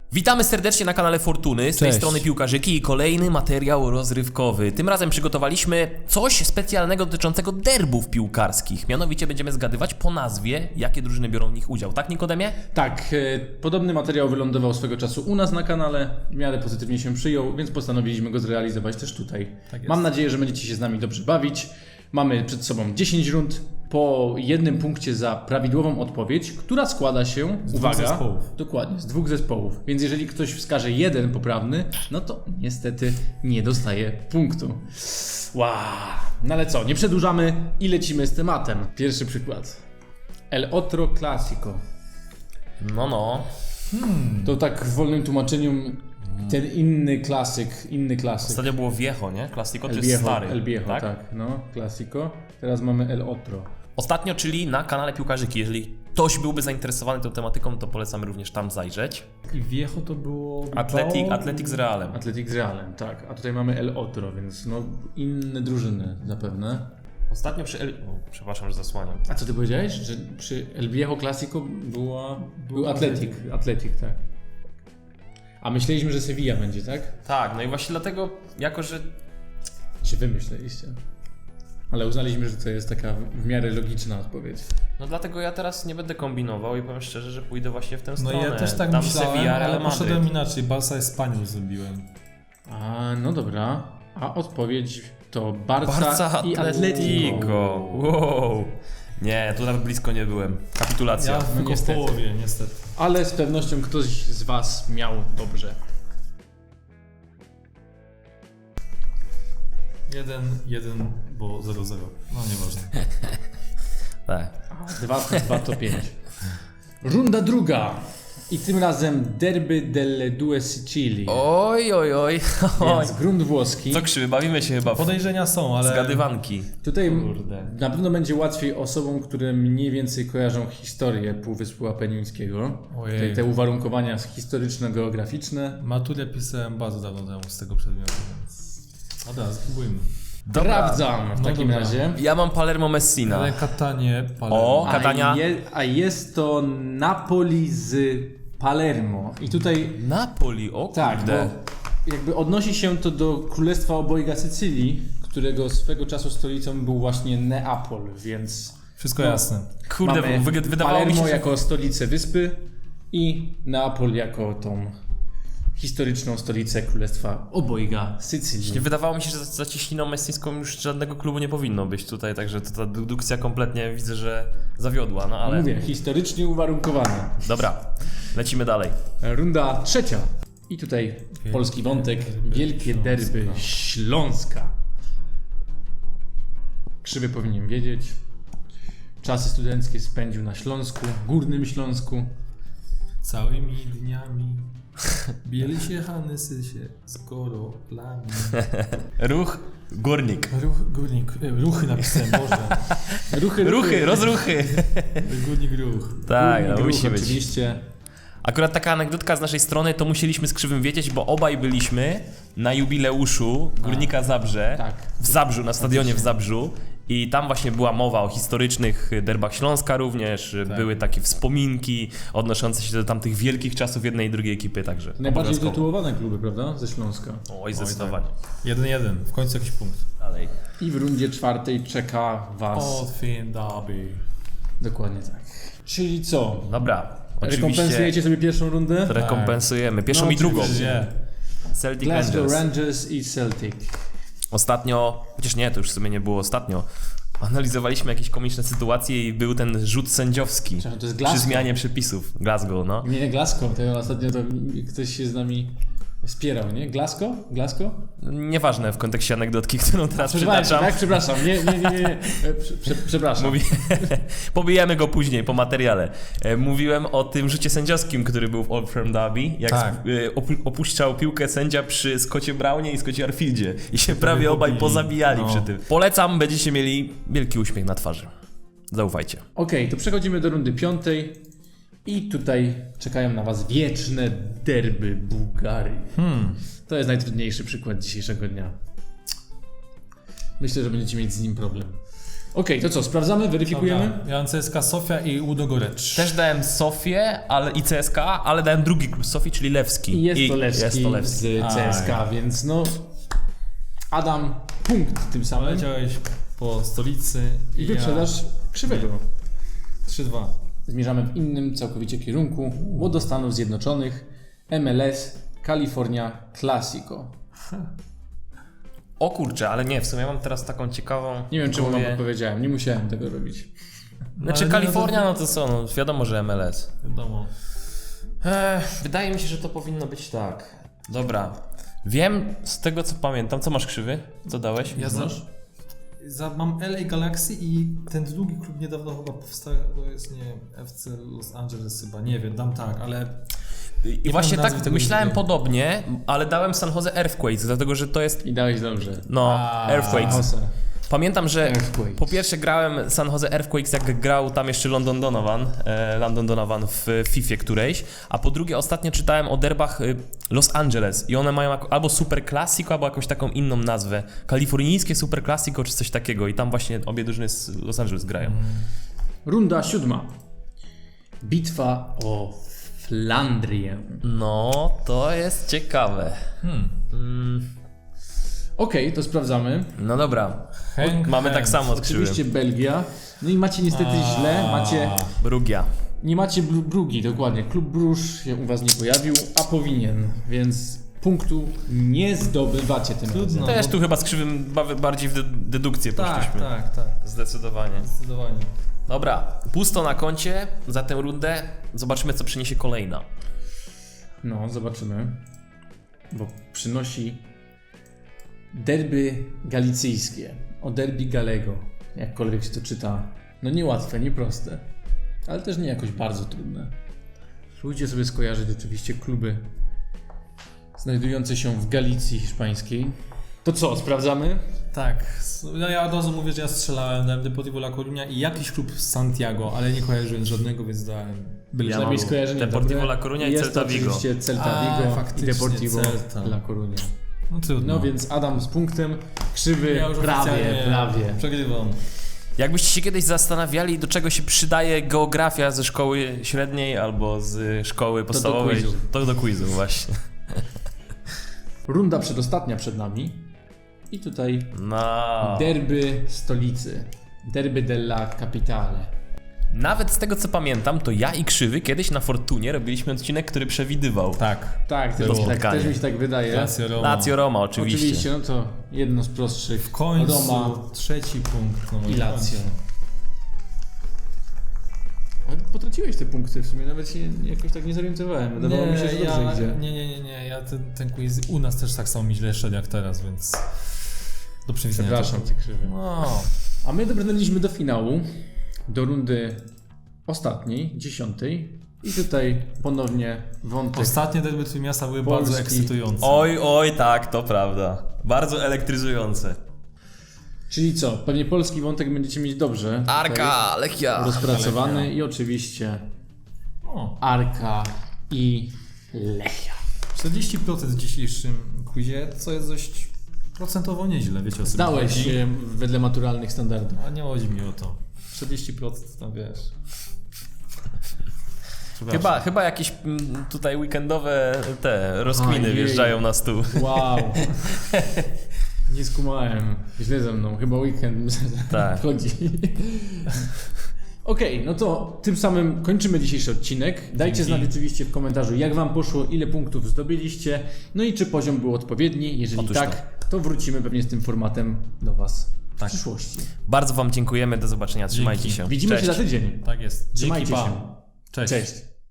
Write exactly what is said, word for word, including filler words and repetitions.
Witamy serdecznie na kanale Fortuny, z tej Cześć. strony Piłkarzyki i kolejny materiał rozrywkowy. Tym razem przygotowaliśmy coś specjalnego dotyczącego derbów piłkarskich. Mianowicie będziemy zgadywać po nazwie, jakie drużyny biorą w nich udział. Tak, Nikodemie? Tak, e, podobny materiał wylądował swego czasu u nas na kanale, w miarę pozytywnie się przyjął, więc postanowiliśmy go zrealizować też tutaj. Tak jest. Mam nadzieję, że będziecie się z nami dobrze bawić. Mamy przed sobą dziesięć rund, po jednym punkcie za prawidłową odpowiedź, która składa się, Z uwaga, dwóch zespołów. dokładnie, z dwóch zespołów. Więc jeżeli ktoś wskaże jeden poprawny, no to niestety nie dostaje punktu. Wow. No ale co, nie przedłużamy i lecimy z tematem. Pierwszy przykład. El Otro Clásico. No, no. To tak w wolnym tłumaczeniu ten inny klasyk, inny klasyk. Ostatnio było Viejo, nie? Classico, to El jest Viejo, stary. El Viejo, tak? tak, no, Clásico. Teraz mamy El Otro. Ostatnio, czyli na kanale Piłkarzyki. Jeżeli ktoś byłby zainteresowany tą tematyką, to polecamy również tam zajrzeć. I Viejo to było... Atletic, Bilbao? Atletic z Realem. Atletic z Realem, tak. A tutaj mamy El Otro, więc no inne drużyny zapewne. Ostatnio przy El... O, przepraszam, że zasłaniam. A co ty powiedziałeś? Że przy El Viejo Clásico była, był Atletic. Atletic. Atletic, tak. A myśleliśmy, że Sevilla będzie, tak? Tak, no i właśnie dlatego, jako że Czy wy myśleliście? Ale uznaliśmy, że to jest taka w miarę logiczna odpowiedź. No dlatego ja teraz nie będę kombinował i powiem szczerze, że pójdę właśnie w tę No stronę. ja też tak Tam myślałem, Sevilla, Real ale Madryt. poszedłem inaczej. Barca Espanyol zrobiłem. A, no dobra. A odpowiedź to Barca, Barca i Atletico. Atletico. Wow. Nie, tu nawet blisko nie byłem. Kapitulacja. Ja tylko w niestety. połowie, niestety. Ale z pewnością ktoś z was miał dobrze. Jeden, jeden, bo zero zero. No nieważne. Tak. dwa plus dwa to pięć. Runda druga. I tym razem derby delle due Sicilii. Oj, oj, oj. oj. Więc grunt włoski. Co krzywy, bawimy się chyba w Podejrzenia są, ale... zgadywanki. Tutaj Kurde. na pewno będzie łatwiej osobom, które mniej więcej kojarzą historię Półwyspu Apenińskiego. Ojej. Tutaj te uwarunkowania historyczno-geograficzne. Maturę pisałem bardzo dawno temu z tego przedmiotu, więc... Dobra, spróbujmy. Sprawdzam w No takim dobra. razie. Ja mam Palermo Messina. Ale Katanie, Palermo. O, A, Katania. je, a jest to Napoli z Palermo. I tutaj Napoli, o tak, kurde. bo jakby odnosi się to do Królestwa Obojga Sycylii, którego swego czasu stolicą był właśnie Neapol, więc Wszystko No. jasne. Kurde, mamy wy- wydawało mi Palermo się, że... jako stolicę wyspy i Neapol jako tą historyczną stolicę Królestwa Obojga Sycylii. Wydawało mi się, że za za ciśniną messińską już żadnego klubu nie powinno być tutaj, także to ta dedukcja kompletnie widzę, że zawiodła, no ale... Mówię, historycznie uwarunkowane. Dobra, lecimy dalej. Runda trzecia. I tutaj polski wątek. Wielkie derby Śląska. Krzywy powinien wiedzieć. Czasy studenckie spędził na Śląsku, Górnym Śląsku. Całymi dniami bieli się Hanysy się z korolami. Ruch, górnik. Ruch, górnik, e, ruchy napisałem, Boże. Ruchy, Ruchy, rozruchy. Górnik ruch. Tak, Górnik no ruch musi być. oczywiście. Akurat taka anegdotka z naszej strony, to musieliśmy z Krzywym wiedzieć, bo obaj byliśmy na jubileuszu Górnika Zabrze, tak. w Zabrzu, na stadionie w Zabrzu i tam właśnie była mowa o historycznych derbach Śląska również, były takie wspominki odnoszące się do tamtych wielkich czasów jednej i drugiej ekipy, także Najbardziej obowiązkowo. tytułowane kluby, prawda? Ze Śląska. Oj, zdecydowanie. Jeden, jeden. W końcu jakiś punkt. Dalej. I w rundzie czwartej czeka was. Otwin Derby. Dokładnie tak. Czyli co? Dobra, oczywiście Rekompensujecie sobie pierwszą rundę? rekompensujemy. Pierwszą No, i drugą. oczywiście. Nie. Celtic Glasgow Rangers. Rangers i Celtic. Ostatnio, chociaż nie, to już w sumie nie było ostatnio, analizowaliśmy jakieś komiczne sytuacje i był ten rzut sędziowski Przepraszam, to jest przy Glasgow. zmianie przepisów. Glasgow, no. Nie, nie Glasgow, to ostatnio to ktoś się z nami spierał, nie? Glasgow? Glasgow? Nieważne w kontekście anegdotki, którą teraz Przepraszam, przytaczam. tak? Przepraszam, nie, nie, nie, nie. nie. E, Prze, prze, przepraszam. Mówi... Pobijemy go później po materiale. E, Mówiłem o tym rzucie sędziowskim, który był w Old Firm Derby, jak Tak. e, opu- opuszczał piłkę sędzia przy Scottie Brownie i Scottie Arfieldzie i się prawie pobili. obaj pozabijali No. przy tym. Polecam, będziecie mieli wielki uśmiech na twarzy. Zaufajcie. Okej, to przechodzimy do rundy piątej. I tutaj czekają na was wieczne derby Bułgarii. Hmm. To jest najtrudniejszy przykład dzisiejszego dnia. Myślę, że będziecie mieć z nim problem. Okej, to co, sprawdzamy, weryfikujemy? Dobra, ja mam C S K A Sofia i Ludogorets. Też dałem Sofię ale, i C S K A, ale dałem drugi klub Sofii, czyli Lewski. I jest to Lewski, jest to Lewski. z C S K A, więc no... Adam, punkt tym samym. Leciałeś po stolicy I wyprzedaż krzywego. trzy dwa. Zmierzamy w innym całkowicie kierunku, bo do Stanów Zjednoczonych M L S California Classico. O kurczę, ale nie, w sumie mam teraz taką ciekawą... Nie wiem, czemu wam mówię- podpowiedziałem, nie musiałem tego robić. Znaczy Ale nie, Kalifornia, no no to co, no wiadomo, że M L S. Wiadomo. Ech, wydaje mi się, że to powinno być tak. Dobra. Wiem z tego co pamiętam, co masz krzywy? Co dałeś? Ja za, Masz? za, mam L A Galaxy i ten drugi klub niedawno chyba powstał, to jest nie F C Los Angeles chyba, nie wiem, dam tak, ale... I Nie właśnie znam nazwy tak tego myślałem drugiego. podobnie, ale dałem San Jose Earthquakes, dlatego że to jest, I dałeś dobrze. no, A, Earthquakes. Jose. Pamiętam, że Earthquakes. po pierwsze grałem San Jose Earthquakes, jak grał tam jeszcze London Donovan, e, London Donovan w Fifie którejś, a po drugie ostatnio czytałem o derbach y, Los Angeles i one mają jako, albo Super Classico, albo jakąś taką inną nazwę. Kalifornijskie Super Classico czy coś takiego i tam właśnie obie drużyny z Los Angeles grają. Runda siódma. Bitwa o Flandrię. No, to jest ciekawe. Hmm. Mm, Okej, to sprawdzamy. no dobra, Henk, mamy tak Henk. samo z krzywym. Oczywiście Belgia. No i macie niestety A. źle, macie... Brugia. Nie macie Bru- Brugi, dokładnie. Klub Bruż się u was nie pojawił, a powinien, więc punktu nie zdobywacie tym Trudno. razem. Też bo- tu chyba z krzywym ba- bardziej w de- dedukcję Tak, poszliśmy. tak, tak, Zdecydowanie. zdecydowanie. Dobra, pusto na koncie za tę rundę. Zobaczymy, co przyniesie kolejna. No, zobaczymy. Bo przynosi derby galicyjskie. O derby Galego. Jakkolwiek się to czyta. No niełatwe, nieproste. Ale też nie jakoś bardzo trudne. Spróbujcie sobie skojarzyć oczywiście kluby znajdujące się w Galicji hiszpańskiej. To co, sprawdzamy? Tak, s- no ja od razu mówię, że ja strzelałem, dałem Deportivo La Coruña i jakiś klub z Santiago, ale nie kojarzyłem żadnego, więc dałem byle Ja ja mam Przynajmniej skojarzenie Deportivo dobre. La Coruña i Jest Celta to Vigo. oczywiście Celta A, Vigo i faktycznie, Deportivo Celta. La Coruña. No trudno. No więc Adam z punktem, krzywy ja już prawie, oficjalnie prawie. Przegrywam. Jakbyście się kiedyś zastanawiali, do czego się przydaje geografia ze szkoły średniej albo z szkoły podstawowej, quizu. to do quizu właśnie. Runda przedostatnia przed nami. I tutaj No. derby stolicy. Derby della Capitale. Nawet z tego co pamiętam, to ja i Krzywy kiedyś na Fortunie robiliśmy odcinek, który przewidywał. Tak. Tak, też To mi, tak, spotkanie. też mi się tak wydaje. Lazio Roma. Lazio Roma, oczywiście. Oczywiście, no to jedno z prostszych. W końcu Roma trzeci punkt. No i Lazio. Ale potraciłeś te punkty w sumie, nawet się jakoś tak nie zorientowałem. Wydawało mi się, że dobrze ja, idzie. Nie, nie, nie, nie. Ja ten, ten quiz u nas też tak samo mi źle szedł jak teraz, więc do przewidzenia. Przepraszam cię, krzywy. No. A my dobrnęliśmy do finału, do rundy ostatniej, dziesiątej. I tutaj ponownie wątek. Ostatnie derby Trójmiasta były Polski. bardzo ekscytujące. Oj, oj, tak, to prawda. Bardzo elektryzujące. Czyli co? Pewnie polski wątek będziecie mieć dobrze. tutaj Arka, Lechia. rozpracowany Lechia. i oczywiście O, Arka i Lechia. czterdzieści procent w dzisiejszym quizie, co jest dość procentowo nieźle, wiecie o co mi Zdałeś chodzi. się wedle maturalnych standardów. A nie chodzi mi o to. czterdzieści procent tam wiesz. Przepraszam. Chyba, chyba jakieś mm, tutaj weekendowe te rozkminy Ojej. wjeżdżają na stół. Wow. Nie skumałem. Źle ze mną. Chyba weekend Tak. wchodzi. Okej, no to tym samym kończymy dzisiejszy odcinek. Dajcie Dzięki. znać oczywiście w komentarzu, jak wam poszło, ile punktów zdobyliście, no i czy poziom był odpowiedni. Jeżeli Otóż tak, to wrócimy pewnie z tym formatem do was w Tak. przyszłości. Bardzo wam dziękujemy, do zobaczenia, trzymajcie Dzięki. się. Widzimy Cześć. się za tydzień. Tak jest. Trzymajcie Dzięki, się. pa. Cześć. Cześć.